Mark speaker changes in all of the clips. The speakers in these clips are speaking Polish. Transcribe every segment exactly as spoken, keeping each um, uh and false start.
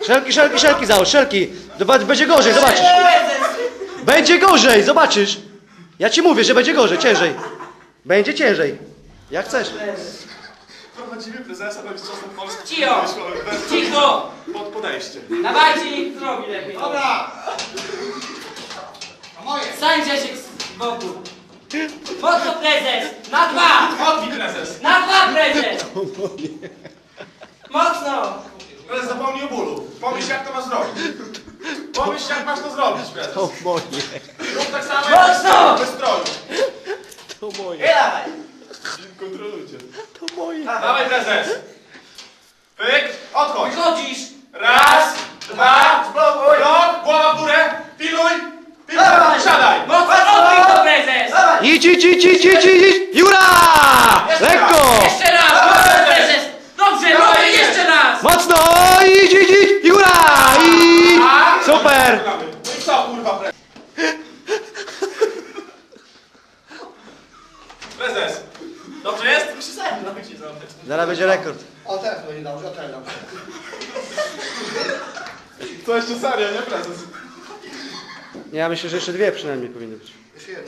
Speaker 1: Szelki, szelki, szelki załóż, szelki. Zobacz, będzie gorzej, zobaczysz. Będzie gorzej, zobaczysz. Ja ci mówię, że będzie gorzej, ciężej. Będzie ciężej. Jak chcesz.
Speaker 2: Prowadzimy prezesa, będzie czasem Polski.
Speaker 3: Cicho! Cicho!
Speaker 2: Pod podejście.
Speaker 3: Dawajcie, niech zrobi lepiej.
Speaker 4: Dobra! A moje!
Speaker 3: Stańcie się z boku. Mocno prezes! Na dwa!
Speaker 2: Chodź, prezes.
Speaker 3: Na dwa prezes! Mocno!
Speaker 2: Prezes zapomnij o bólu. Pomyśl, jak to masz zrobić. Pomyśl, jak masz to zrobić, prezes.
Speaker 1: To moje.
Speaker 2: Rób tak samo,
Speaker 3: Mocno!
Speaker 2: jak bez stroju.
Speaker 1: To moje.
Speaker 3: Nie dawaj!
Speaker 2: Kontrolujcie.
Speaker 1: To moje.
Speaker 2: Dawaj, prezes. Pyk, odchodź.
Speaker 3: Wychodzisz!
Speaker 2: Raz, dwa,
Speaker 3: Spokój!
Speaker 2: blok, głowa w górę. Piluj. Piluj,
Speaker 3: Dawaj.
Speaker 2: siadaj.
Speaker 3: Mocno odbij to prezes!
Speaker 1: Idź, idź, idź, idź, idź, idź. Jura! Lekko!
Speaker 3: Jeszcze raz! Mocno prezes! Dobrze, dobrze, jeszcze raz!
Speaker 1: Mocno! Idź, idź, idź! Jura! I... Super!
Speaker 2: No i co, kurwa, prezes? Prezes. Dobrze jest?
Speaker 1: Zaraz będzie rekord.
Speaker 4: O teraz będzie dobrze, o teraz dobrze.
Speaker 2: To jeszcze serio, nie, prezes?
Speaker 1: Ja myślę, że jeszcze dwie przynajmniej powinny być.
Speaker 4: Jeszcze jedno.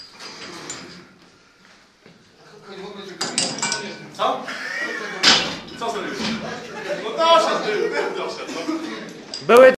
Speaker 2: Co? Co zrobiłeś? No doszedł, był, doszedł. No.
Speaker 1: Były